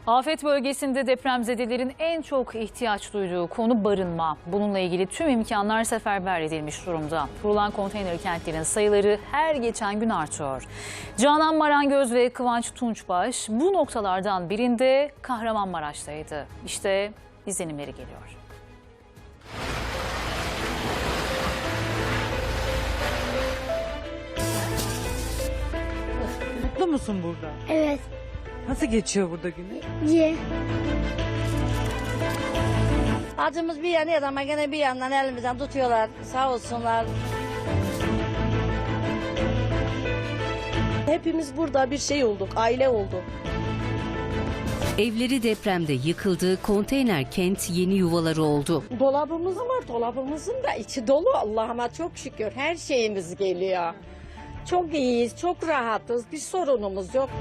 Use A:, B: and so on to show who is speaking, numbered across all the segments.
A: Afet bölgesinde depremzedelerin en çok ihtiyaç duyduğu konu barınma. Bununla ilgili tüm imkanlar seferber edilmiş durumda. Kurulan konteyner kentlerin sayıları her geçen gün artıyor. Canan Marangöz ve Kıvanç Tunçbaş bu noktalardan birinde Kahramanmaraş'taydı. İşte izlenimleri geliyor.
B: Mutlu musun burada?
C: Evet.
B: Nasıl geçiyor burada günü?
C: Ye.
D: Acımız bir yanıyor ama gene bir yandan elimizden tutuyorlar. Sağ olsunlar.
E: Hepimiz burada bir şey olduk, aile olduk.
F: Evleri depremde yıkıldı, konteyner kent yeni yuvaları oldu.
E: Dolabımız var, dolabımızın da içi dolu. Allah'ıma çok şükür her şeyimiz geliyor. Çok iyiyiz, çok rahatız, bir sorunumuz yok.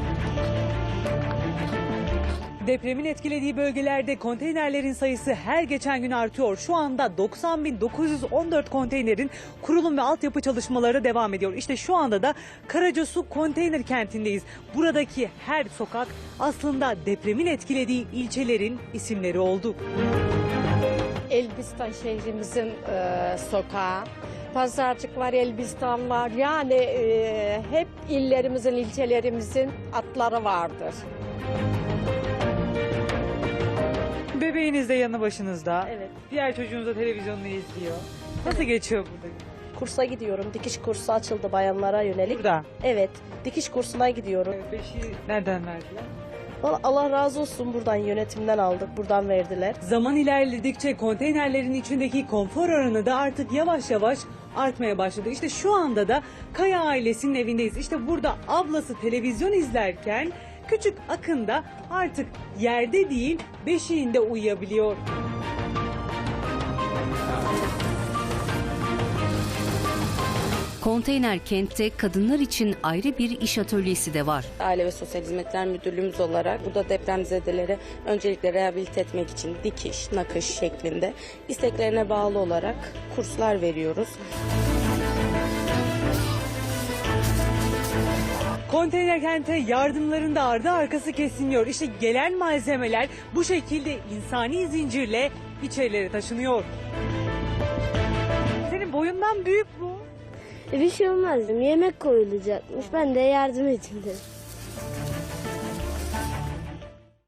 B: Depremin etkilediği bölgelerde konteynerlerin sayısı her geçen gün artıyor. Şu anda 90.914 konteynerin kurulum ve altyapı çalışmaları devam ediyor. İşte şu anda da Karacasu konteyner kentindeyiz. Buradaki her sokak aslında depremin etkilediği ilçelerin isimleri oldu.
E: Elbistan şehrimizin sokağı, Pazarcık var, Elbistan var. Yani hep illerimizin, ilçelerimizin adları vardır.
B: Bebeğiniz de yanı başınızda.
E: Evet.
B: Diğer çocuğunuz da televizyonunu izliyor. Nasıl geçiyor burada?
G: Kursa gidiyorum. Dikiş kursu açıldı bayanlara yönelik.
B: Burada.
G: Evet, dikiş kursuna gidiyorum.
B: Beşi nereden verdiler?
G: Vallahi Allah razı olsun, buradan yönetimden aldık, buradan verdiler.
B: Zaman ilerledikçe konteynerlerin içindeki konfor oranı da artık yavaş yavaş artmaya başladı. İşte şu anda da Kaya ailesinin evindeyiz. İşte burada ablası televizyon izlerken küçük Akın da artık yerde değil beşiğinde uyuyabiliyor.
F: Konteyner kentte kadınlar için ayrı bir iş atölyesi de var.
H: Aile ve Sosyal Hizmetler Müdürlüğümüz olarak burada depremzedeleri öncelikle rehabilite etmek için dikiş, nakış şeklinde isteklerine bağlı olarak kurslar veriyoruz.
B: Konteyner kente yardımların da ardı arkası kesilmiyor. İşte gelen malzemeler bu şekilde insani zincirle içerilere taşınıyor. Senin boyundan büyük bu.
C: Bir şey olmaz. Yemek koyulacakmış. Ben de yardım edeyim dedim.